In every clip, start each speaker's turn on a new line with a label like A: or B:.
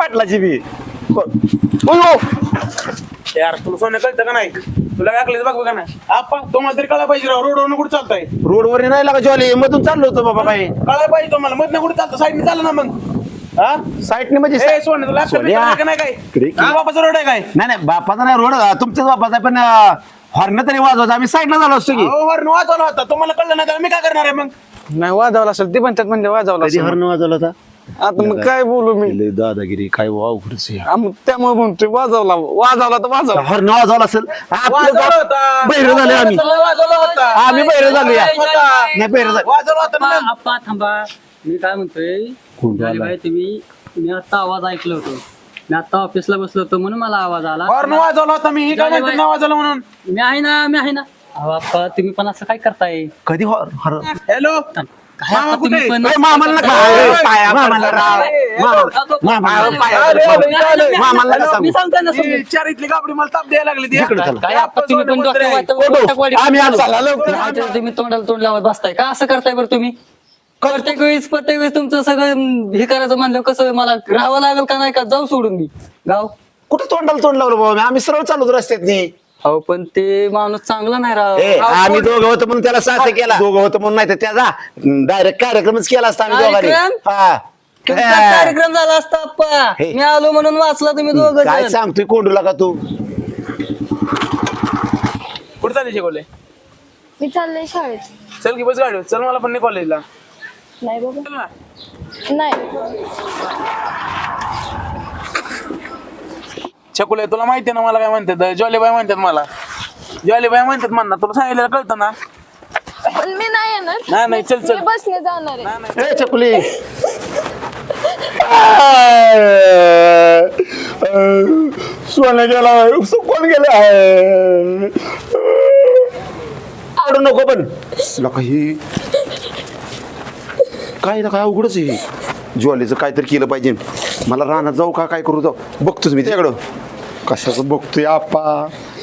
A: पाटलाची बी
B: यार तुला सोनं कळतं का नाही तुला काय बघ बघा ना आपा तुम्हाला तरी कळा पाहिजे राव रोडवर कुठे चालताय
A: रोडवर नाही लागा जॉली मधून चाललो होतो बाबा बाई
B: कळायला पाहिजे तुम्हाला मधनं कुठे चालतं साईडने चाललं ना मग हा
A: साईडने म्हणजे
B: ए सोनं तुला
A: सोन्या.
B: का नाही काय
A: इकडे.
B: तुझ्या बापाचा रोड आहे काय
A: नाही नाही बापाचा नाही रोड तुमच्याच बापाचा आहे, पण हॉर्न तरी वाजवत आम्ही साईडला झालो असतो की
B: हो हॉर्न वाजवला होता तुम्हाला कळलं नाही तर मी काय करणार आहे मग
C: नाही वाजवला असेल ते पण त्यात म्हणजे वाजवला
A: कधी
C: असेल.
A: हॉर्न वाजवला होता
C: आता मग काय बोलू मी
A: लय दादागिरी काय अवघडच
C: मग त्यामुळे म्हणतोय वाजवला तर वाजवला
A: हॉर्न वाजवला असेल
B: वाजवला होता
A: बहिरं झाले आम्ही
B: वाजवला होता
A: आम्ही बहिरं झालो या नाही बहिरं झालो
B: वाजवला होता ना
D: आप्पा थांबा मी काय म्हणतोय झाली बाई तुम्ही मी आता आवाज ऐकलो होतो मी आता ऑफिसला बसलो होतो म्हणून मला आवाज आला
B: हॉर्न वाजवला होता मी काय म्हणतो ना वाजवला म्हणून
D: मी आहे ना अहो आप्पा तुम्ही पण असं काय करताय
A: कधी हॉर्न
B: हॅलो
D: काय आप्पा तुम्ही पण
A: मामाला नका मामाला राव मामाला नका सांगू.
D: मी सांगताय ना समजून.
B: चार इथली कापडी मला ताप द्यायला लागली ती.
A: इकडे चला.
D: काय आप्पा तुम्ही पण
A: आम्ही आलो.
D: तुम्ही तोंडाला तोंड लावत बसताय का असं करताय बरं तुम्ही प्रत्येक वेळेस तुमचं सगळं हे करायचं म्हणलं कसं मला राहावं लागेल का नाही का जाऊ सोडून मी गाव
A: कुठं तोंडाला तोंड लावलं बाबा आम्ही सरळ चालू रस्त्यात
D: अहो पण ते माणूस चांगला नाही राव
A: आम्ही दोघं होतो म्हणून त्याला साथ केला दोघं होतं म्हणून नाही तर त्याचा डायरेक्ट कार्यक्रमच केला असता आम्ही दोघांनी
D: कार्यक्रम?
A: हा.
D: तुमचा कार्यक्रम झाला असता आप्पा
A: हे.
D: मी आलो म्हणून वाचला तुम्ही दोघं
A: काय
D: जण.
A: सांगतोय कोंडूला का तू
B: कुठं चालली शिकवले
E: मी चाललंय शाळेत
B: चल की बस गाडी चल मला पण नाही कॉलेजला
E: नाही बाबा
B: चल ना.
E: नाही
B: छकुले तुला माहिती ना मला काय म्हणतात जॉलीबाई म्हणतात मला जॉलीबाई म्हणतात म्हणणार तुला सांगितलं कळतं ना
E: पण मी नाही येणार
B: नाही, नाही, चल, चल.
E: मी बसने जाणार आहे
A: ए चकुली सोनं गेला कोण गेला आवडू नको पण लका ही काय ना काय अवघडच आहे ज्वालीचं काहीतरी केलं पाहिजे मला रानात जाऊ का काय करू जाऊ बघतोच मी त्याकडं कशाचं बघतोय आपा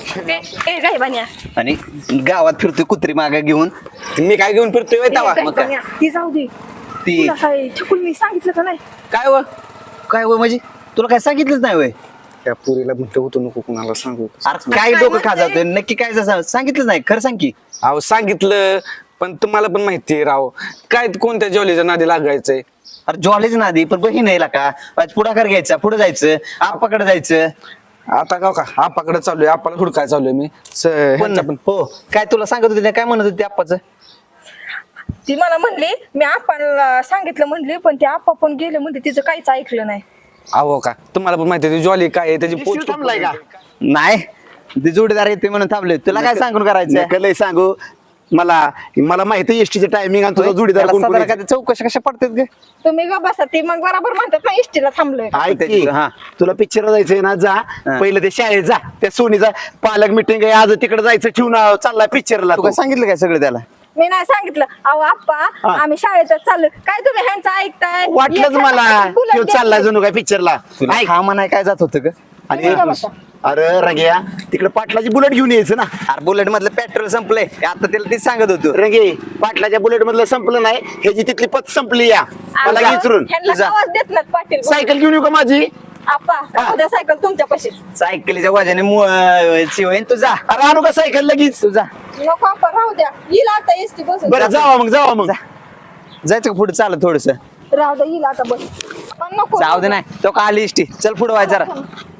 F: आणि गावात फिरतोय कुत्री मागे घेऊन मी काय घेऊन फिरतोय होय तवा? मग काय?
E: ती जाऊ दे
F: ती
E: तुला काय छकुल मी सांगितलं का नाही
F: काय व म्हणजे तुला काय सांगितलंच नाही वय
C: त्या पुरीला म्हटलं होतं नको कुणाला सांगू
F: अरे काय डोकं खाजावतोय नक्की काय सांगितलंच नाही खरं सांग की
C: अहो सांगितलं पण तुम्हाला पण माहितीये राव काय कोणत्या जॉलीच्या नादी लागायचंय
F: अरे जॉलेज नादी पण बहीण आहे का आज पुढाकार घ्यायचा पुढे जायचं आपाकडे जायचं
C: आता का आपाकडे चाललोय आपाला हुडकाय चाललोय मी
F: पण हो काय तुला सांगत होते काय म्हणत होते आप्पाचं
G: ती मला म्हणली मी आप्पाला सांगितलं म्हणली पण ते आप्पा पण गेले म्हणले तिचं काहीच ऐकलं नाही
C: अहो का तुम्हाला पण माहिती जॉली काय आहे त्याची पोच
A: थांबलाय का
F: नाही ते जोडीदार येते म्हणून थांबले तुला काय सांगून करायचं
A: नका लय सांगू मला माहिती एसटीचं टायमिंग आणि तुझा जोडीदार
F: त्याला
A: कोण कोण
F: साधारण
A: आहे.
F: काय चौकशा कशा पडतात ग
G: तुम्ही ग बसा ती मग बरोबर म्हणतात ना इष्टीला थांबलोय
A: ऐक की,
F: हा.
A: तुला पिक्चर जायचंय ना जा पहिलं ते शाळेत जा त्या सोनीचा पालक मिटिंग आहे आज तिकडे जायचं ठेवून चाललाय पिक्चरला
F: तू काय सांगितलं काय सगळं त्याला
G: मी नाही सांगितलं अहो आप्पा आम्ही शाळेतच चाललोय काय तुम्ही ह्यांचं ऐकताय
A: वाटलंच
G: एखादा
A: मला
G: बुलेट
A: तो चाललाय
G: द्यायची.
A: जणू काय पिक्चरला
F: तुला हा म्हणाय काय जात होतं ग
A: आणि
G: तुम्ही का बसा?
A: अरे रंग्या तिकडे पाटलाची बुलेट घेऊन यायचं ना
F: अरे बुलेट मधलं पेट्रोल संपलंय आता त्याला तेच सांगत होतो
A: रंगे पाटलाच्या बुलेट मधलं संपलं नाही ह्याची तिथली पत संपली या मला
G: अहो,
A: विचारून
G: ह्यांना आवाज देत नाहीत पाटील
A: सायकल घेऊन येऊ का माझी
G: आप्पा उद्या सायकल तुमच्या पाशी
F: सायकलीच्या वाजाने शिवाय तुझा
A: अरे आणू का सायकल लगेच
F: तुझा
G: नको आप्पा राहू द्या येईल आता एसटी बसून
A: बरं जावा मग
F: जायचं का पुढे चालत थोडस
G: राहू द्या येईल आता बस पण नको
F: जाऊ दे नाही तो का आली इष्टी चल पुढे व्हाय जरा